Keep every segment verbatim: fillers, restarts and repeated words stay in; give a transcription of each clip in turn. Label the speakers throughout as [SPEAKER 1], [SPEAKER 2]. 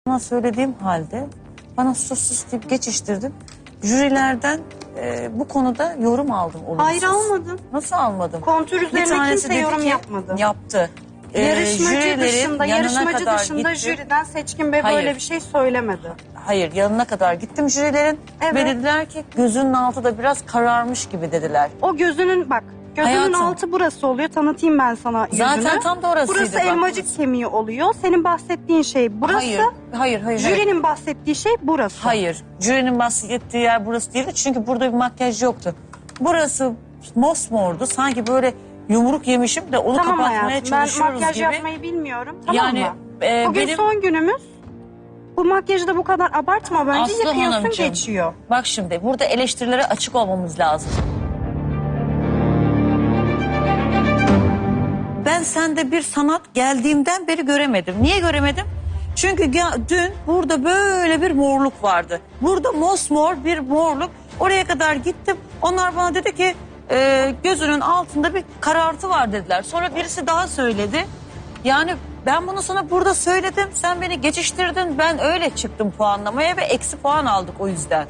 [SPEAKER 1] Bana söylediğim halde bana sus sus deyip geçiştirdim. Jürilerden e, bu konuda yorum aldım olumsuz.
[SPEAKER 2] Hayır, almadın.
[SPEAKER 1] Nasıl almadım?
[SPEAKER 2] Kontür
[SPEAKER 1] Bir
[SPEAKER 2] üzerine
[SPEAKER 1] tanesi
[SPEAKER 2] kimse
[SPEAKER 1] dedi
[SPEAKER 2] yorum
[SPEAKER 1] ki,
[SPEAKER 2] yapmadı.
[SPEAKER 1] Yaptı. E,
[SPEAKER 2] Yarışmacı
[SPEAKER 1] jürilerin
[SPEAKER 2] dışında,
[SPEAKER 1] yanına
[SPEAKER 2] yarışmacı
[SPEAKER 1] kadar
[SPEAKER 2] dışında
[SPEAKER 1] gittim.
[SPEAKER 2] jüriden Seçkin Bey
[SPEAKER 1] Hayır.
[SPEAKER 2] böyle bir şey söylemedi.
[SPEAKER 1] Hayır, yanına kadar gittim jürilerin
[SPEAKER 2] Evet.
[SPEAKER 1] ve dediler ki gözünün altı da biraz kararmış gibi dediler.
[SPEAKER 2] O gözünün bak, gözünün
[SPEAKER 1] Hayatım.
[SPEAKER 2] altı burası oluyor. Tanıtayım ben sana yüzünü.
[SPEAKER 1] Zaten tam da orasıydı
[SPEAKER 2] Burası
[SPEAKER 1] bak.
[SPEAKER 2] elmacık kemiği oluyor. Senin bahsettiğin şey burası.
[SPEAKER 1] Hayır, hayır, hayır. hayır.
[SPEAKER 2] Jürinin bahsettiği şey burası.
[SPEAKER 1] Hayır, jürinin bahsettiği yer burası değildi çünkü burada bir makyaj yoktu. Burası mosmordu, sanki böyle yumruk yemişim de onu
[SPEAKER 2] Tamam
[SPEAKER 1] kapatmaya
[SPEAKER 2] hayatım, ben
[SPEAKER 1] çalışıyoruz
[SPEAKER 2] makyaj
[SPEAKER 1] gibi.
[SPEAKER 2] yapmayı bilmiyorum. Tamam
[SPEAKER 1] Yani
[SPEAKER 2] mı?
[SPEAKER 1] e,
[SPEAKER 2] Bugün
[SPEAKER 1] benim...
[SPEAKER 2] son günümüz. Bu makyajı da bu kadar abartma bence.
[SPEAKER 1] Aslı
[SPEAKER 2] Yıkıyorsun
[SPEAKER 1] Hanımcığım,
[SPEAKER 2] geçiyor.
[SPEAKER 1] Bak şimdi burada eleştirilere açık olmamız lazım. Ben sende bir sanat geldiğimden beri göremedim. Niye göremedim? Çünkü ya, dün burada böyle bir morluk vardı. Burada mosmor bir morluk. Oraya kadar gittim. Onlar bana dedi ki e, gözünün altında bir karartı var dediler. Sonra birisi daha söyledi. Yani ben bunu sana burada söyledim. Sen beni geçiştirdin. Ben öyle çıktım puanlamaya ve eksi puan aldık o yüzden.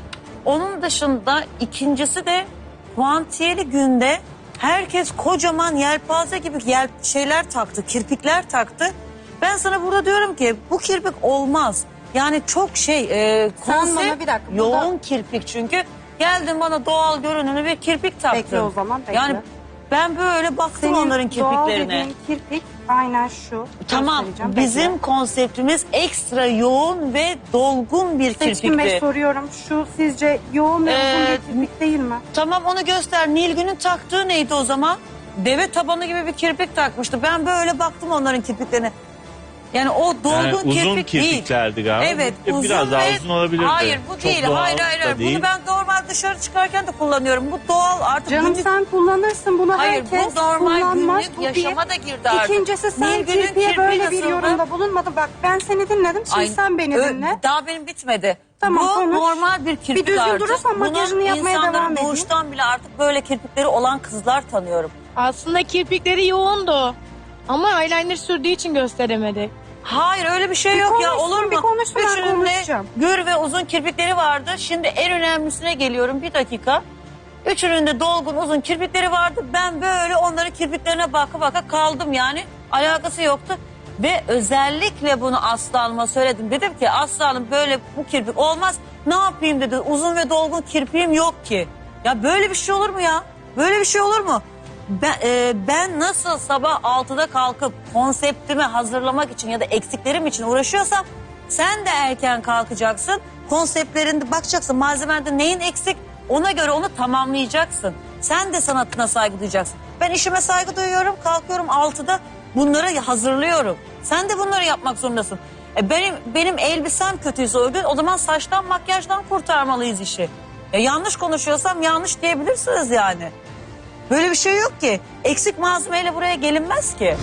[SPEAKER 1] Onun dışında ikincisi de puantiyeli günde herkes kocaman yelpaze gibi yel şeyler taktı, kirpikler taktı. Ben sana burada diyorum ki bu kirpik olmaz. Yani çok şey e,
[SPEAKER 2] Sen
[SPEAKER 1] konsept
[SPEAKER 2] bana bir dakika,
[SPEAKER 1] yoğun
[SPEAKER 2] burada-
[SPEAKER 1] kirpik çünkü. Geldin bana doğal görünümlü bir kirpik taktın.
[SPEAKER 2] Bekle o zaman, bekle.
[SPEAKER 1] Yani ben böyle baktım
[SPEAKER 2] Senin
[SPEAKER 1] onların
[SPEAKER 2] doğal
[SPEAKER 1] kirpiklerine.
[SPEAKER 2] dediğin kirpik aynen şu.
[SPEAKER 1] Tamam,
[SPEAKER 2] Göstereceğim,
[SPEAKER 1] bizim
[SPEAKER 2] bekle.
[SPEAKER 1] konseptimiz ekstra yoğun ve dolgun bir
[SPEAKER 2] Seçkin Bey
[SPEAKER 1] kirpikti.
[SPEAKER 2] soruyorum. Şu sizce yoğun ve uzun
[SPEAKER 1] Ee,
[SPEAKER 2] bir kirpik değil mi?
[SPEAKER 1] Tamam, onu göster. Nilgün'ün taktığı neydi o zaman? Deve tabanı gibi bir kirpik takmıştı. Ben böyle baktım onların kirpiklerine. Yani o dolgun
[SPEAKER 3] Yani uzun
[SPEAKER 1] kirpik değil.
[SPEAKER 3] kirpiklerdi galiba.
[SPEAKER 1] Evet,
[SPEAKER 3] E,
[SPEAKER 1] uzun
[SPEAKER 3] biraz daha
[SPEAKER 1] ve-
[SPEAKER 3] uzun olabilirdi.
[SPEAKER 1] Hayır, bu
[SPEAKER 3] Çok
[SPEAKER 1] değil.
[SPEAKER 3] doğal
[SPEAKER 1] Hayır, hayır,
[SPEAKER 3] da
[SPEAKER 1] hayır.
[SPEAKER 3] değil.
[SPEAKER 1] Bunu ben normal dışarı çıkarken de kullanıyorum. Bu doğal artık.
[SPEAKER 2] Canım
[SPEAKER 1] günlük-
[SPEAKER 2] sen kullanırsın bunu,
[SPEAKER 1] Hayır,
[SPEAKER 2] herkes
[SPEAKER 1] bu normal
[SPEAKER 2] kullanmaz.
[SPEAKER 1] günlük
[SPEAKER 2] Bu
[SPEAKER 1] yaşama
[SPEAKER 2] bir.
[SPEAKER 1] da girdi artık.
[SPEAKER 2] İkincisi sen
[SPEAKER 1] Nilgün'ün
[SPEAKER 2] kirpiye
[SPEAKER 1] kirpiği
[SPEAKER 2] böyle bir
[SPEAKER 1] nasıldı?
[SPEAKER 2] yorumda bulunmadın. Bak ben seni dinledim, şimdi
[SPEAKER 1] Ay,
[SPEAKER 2] sen beni
[SPEAKER 1] ö-
[SPEAKER 2] dinle.
[SPEAKER 1] Daha benim bitmedi.
[SPEAKER 2] Tamam,
[SPEAKER 1] Bu
[SPEAKER 2] konuş.
[SPEAKER 1] normal bir kirpik
[SPEAKER 2] Bir düzgün
[SPEAKER 1] artık.
[SPEAKER 2] durursan makyajını
[SPEAKER 1] Bunun
[SPEAKER 2] yapmaya
[SPEAKER 1] insanların
[SPEAKER 2] devam edeyim.
[SPEAKER 1] doğuştan bile artık böyle kirpikleri olan kızlar tanıyorum.
[SPEAKER 4] Aslında kirpikleri yoğundu. Ama eyeliner sürdüğü için gösteremedi.
[SPEAKER 1] Hayır, öyle bir şey
[SPEAKER 2] Bir
[SPEAKER 1] yok ya,
[SPEAKER 2] konuşsun,
[SPEAKER 1] olur mu?
[SPEAKER 2] bir konuşsun, ben
[SPEAKER 1] Üçünün de
[SPEAKER 2] konuşacağım.
[SPEAKER 1] gür ve uzun kirpikleri vardı. Şimdi en önemlisine geliyorum, bir dakika. Üçünün de dolgun uzun kirpikleri vardı. Ben böyle onların kirpiklerine baka baka kaldım yani. Alakası yoktu. Ve özellikle bunu Aslı Hanım'a söyledim. Dedim ki Aslı Hanım böyle bu kirpik olmaz. Ne yapayım dedi. Uzun ve dolgun kirpiğim yok ki. Ya böyle bir şey olur mu ya? Böyle bir şey olur mu? Ben, e, ben nasıl sabah altıda kalkıp konseptimi hazırlamak için ya da eksiklerim için uğraşıyorsam sen de erken kalkacaksın. Konseptlerinde bakacaksın, malzemende neyin eksik, ona göre onu tamamlayacaksın. Sen de sanatına saygı duyacaksın. Ben işime saygı duyuyorum, kalkıyorum altıda bunları hazırlıyorum. Sen de bunları yapmak zorundasın. E benim benim elbisem kötüyse o gün o zaman saçtan makyajdan kurtarmalıyız işi. E yanlış konuşuyorsam yanlış diyebilirsiniz yani. Böyle bir şey yok ki. Eksik malzemeyle buraya gelinmez ki.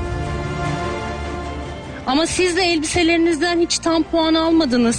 [SPEAKER 5] Ama siz de elbiselerinizden hiç tam puan almadınız.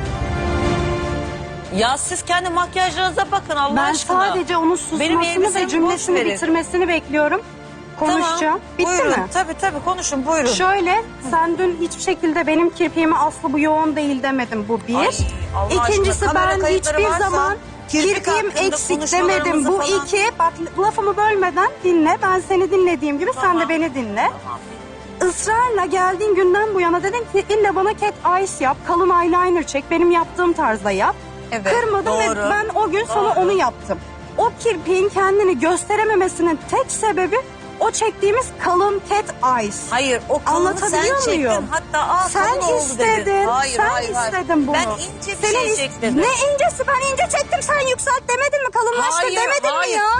[SPEAKER 1] Ya siz kendi makyajlarınıza bakın Allah
[SPEAKER 2] Ben
[SPEAKER 1] aşkına.
[SPEAKER 2] sadece onun
[SPEAKER 1] Benim
[SPEAKER 2] susmasını
[SPEAKER 1] elbisemi
[SPEAKER 2] ve
[SPEAKER 1] boş
[SPEAKER 2] cümlesini
[SPEAKER 1] verin.
[SPEAKER 2] bitirmesini bekliyorum. Konuşacağım.
[SPEAKER 1] Tamam,
[SPEAKER 2] Bitti
[SPEAKER 1] buyurun.
[SPEAKER 2] mi?
[SPEAKER 1] Tabii tabii konuşun buyurun.
[SPEAKER 2] Şöyle, sen dün hiçbir şekilde benim kirpiğime Aslı bu yoğun değil demedim, bu bir.
[SPEAKER 1] Ay, Allah
[SPEAKER 2] İkincisi
[SPEAKER 1] aşkına, kamera
[SPEAKER 2] ben
[SPEAKER 1] kayıtları
[SPEAKER 2] hiçbir
[SPEAKER 1] varsa
[SPEAKER 2] zaman
[SPEAKER 1] kirpik
[SPEAKER 2] kirpiğim
[SPEAKER 1] hakkında
[SPEAKER 2] eksik demedim,
[SPEAKER 1] konuşmalarımızı
[SPEAKER 2] bu
[SPEAKER 1] falan-
[SPEAKER 2] iki. Bak lafımı bölmeden dinle, ben seni dinlediğim gibi sen
[SPEAKER 1] Tamam.
[SPEAKER 2] de beni dinle.
[SPEAKER 1] Tamam.
[SPEAKER 2] Israrla geldiğin günden bu yana dedin ki illa bana cat eyes yap, kalın eyeliner çek, benim yaptığım tarzda yap.
[SPEAKER 1] Evet,
[SPEAKER 2] Kırmadım
[SPEAKER 1] doğru.
[SPEAKER 2] ve ben o gün sana
[SPEAKER 1] Doğru.
[SPEAKER 2] onu yaptım. O kirpiğin kendini gösterememesinin tek sebebi o çektiğimiz kalın cat eyes.
[SPEAKER 1] Hayır, o kalını sen
[SPEAKER 2] Anlatabiliyor
[SPEAKER 1] çektin.
[SPEAKER 2] muyum?
[SPEAKER 1] Hatta aa,
[SPEAKER 2] Sen
[SPEAKER 1] kalın oldu
[SPEAKER 2] istedin,
[SPEAKER 1] dedin. Hayır,
[SPEAKER 2] sen
[SPEAKER 1] hayır, hayır.
[SPEAKER 2] istedin bunu.
[SPEAKER 1] Ben ince bir
[SPEAKER 2] Senin
[SPEAKER 1] şey
[SPEAKER 2] is-
[SPEAKER 1] çektim.
[SPEAKER 2] Ne incesi, ben ince çektim, sen yükselt demedin mi, kalınlaştır
[SPEAKER 1] Hayır,
[SPEAKER 2] demedin
[SPEAKER 1] hayır.
[SPEAKER 2] mi ya?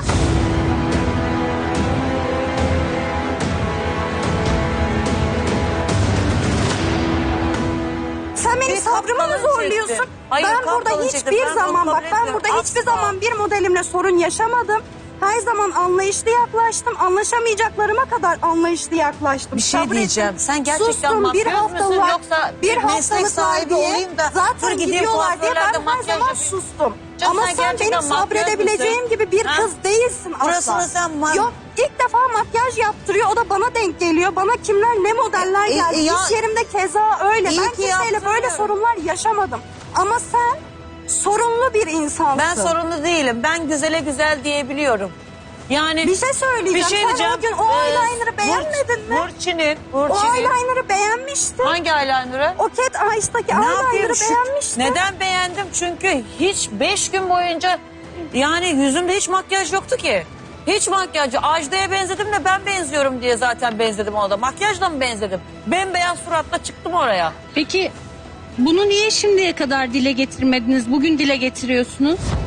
[SPEAKER 2] Sen benim
[SPEAKER 1] Bir
[SPEAKER 2] sabrımı mı
[SPEAKER 1] kapkalın
[SPEAKER 2] zorluyorsun?
[SPEAKER 1] çektim. Hayır,
[SPEAKER 2] ben
[SPEAKER 1] kapkalın
[SPEAKER 2] burada
[SPEAKER 1] çektim.
[SPEAKER 2] hiçbir
[SPEAKER 1] Ben onu
[SPEAKER 2] zaman
[SPEAKER 1] kabul
[SPEAKER 2] bak ben
[SPEAKER 1] etmiyorum.
[SPEAKER 2] burada hiçbir
[SPEAKER 1] Asla.
[SPEAKER 2] zaman bir modelimle sorun yaşamadım. Her zaman anlayışlı yaklaştım. Anlaşamayacaklarıma kadar anlayışlı yaklaştım.
[SPEAKER 1] Bir şey
[SPEAKER 2] Sabrettim.
[SPEAKER 1] diyeceğim. Sen gerçekten
[SPEAKER 2] Sustum,
[SPEAKER 1] makyöz
[SPEAKER 2] bir
[SPEAKER 1] müsün
[SPEAKER 2] haftalık,
[SPEAKER 1] yoksa
[SPEAKER 2] bir
[SPEAKER 1] bir meslek
[SPEAKER 2] haftalık
[SPEAKER 1] sahibi
[SPEAKER 2] diye
[SPEAKER 1] olayım da dur
[SPEAKER 2] zaten
[SPEAKER 1] gideyim
[SPEAKER 2] gidiyorlar diye ben
[SPEAKER 1] kuaförlerde
[SPEAKER 2] her
[SPEAKER 1] makyaj
[SPEAKER 2] zaman
[SPEAKER 1] yapayım.
[SPEAKER 2] sustum.
[SPEAKER 1] Canım,
[SPEAKER 2] Ama
[SPEAKER 1] sen
[SPEAKER 2] sen
[SPEAKER 1] gerçekten
[SPEAKER 2] benim
[SPEAKER 1] makyöz
[SPEAKER 2] sabredebileceğim
[SPEAKER 1] müsün?
[SPEAKER 2] gibi bir
[SPEAKER 1] Ha?
[SPEAKER 2] kız değilsin asla.
[SPEAKER 1] Burasını sen ma-
[SPEAKER 2] Yok, ilk defa makyaj yaptırıyor. O da bana denk geliyor. Bana kimler ne modeller
[SPEAKER 1] E, e,
[SPEAKER 2] geldi.
[SPEAKER 1] ya-
[SPEAKER 2] İş yerimde keza öyle.
[SPEAKER 1] İyi
[SPEAKER 2] Ben
[SPEAKER 1] ki
[SPEAKER 2] kimseyle
[SPEAKER 1] yaptırıyor.
[SPEAKER 2] böyle sorunlar yaşamadım. Ama sen sorunlu bir insansın.
[SPEAKER 1] Ben sorunlu değilim. Ben güzele güzel diyebiliyorum. Yani
[SPEAKER 2] Bir şey söyleyeceğim.
[SPEAKER 1] bir şey
[SPEAKER 2] Sen
[SPEAKER 1] diyeceğim.
[SPEAKER 2] o gün o
[SPEAKER 1] Ee,
[SPEAKER 2] eyeliner'ı beğenmedin mi?
[SPEAKER 1] Burçin'in,
[SPEAKER 2] O
[SPEAKER 1] Burçin'in.
[SPEAKER 2] eyeliner'ı beğenmiştin.
[SPEAKER 1] Hangi eyeliner'ı?
[SPEAKER 2] O Cat Eyes'taki
[SPEAKER 1] Ne yapayım?
[SPEAKER 2] eyeliner'ı
[SPEAKER 1] Şu-
[SPEAKER 2] beğenmiştin.
[SPEAKER 1] Neden beğendim? Çünkü hiç beş gün boyunca yani yüzümde hiç makyaj yoktu ki. Hiç makyajı. Ajda'ya benzedim de ben benziyorum diye zaten benzedim ona da. Makyajla mı benzedim? Bembeyaz suratla çıktım oraya.
[SPEAKER 5] Peki bunu niye şimdiye kadar dile getirmediniz? Bugün dile getiriyorsunuz.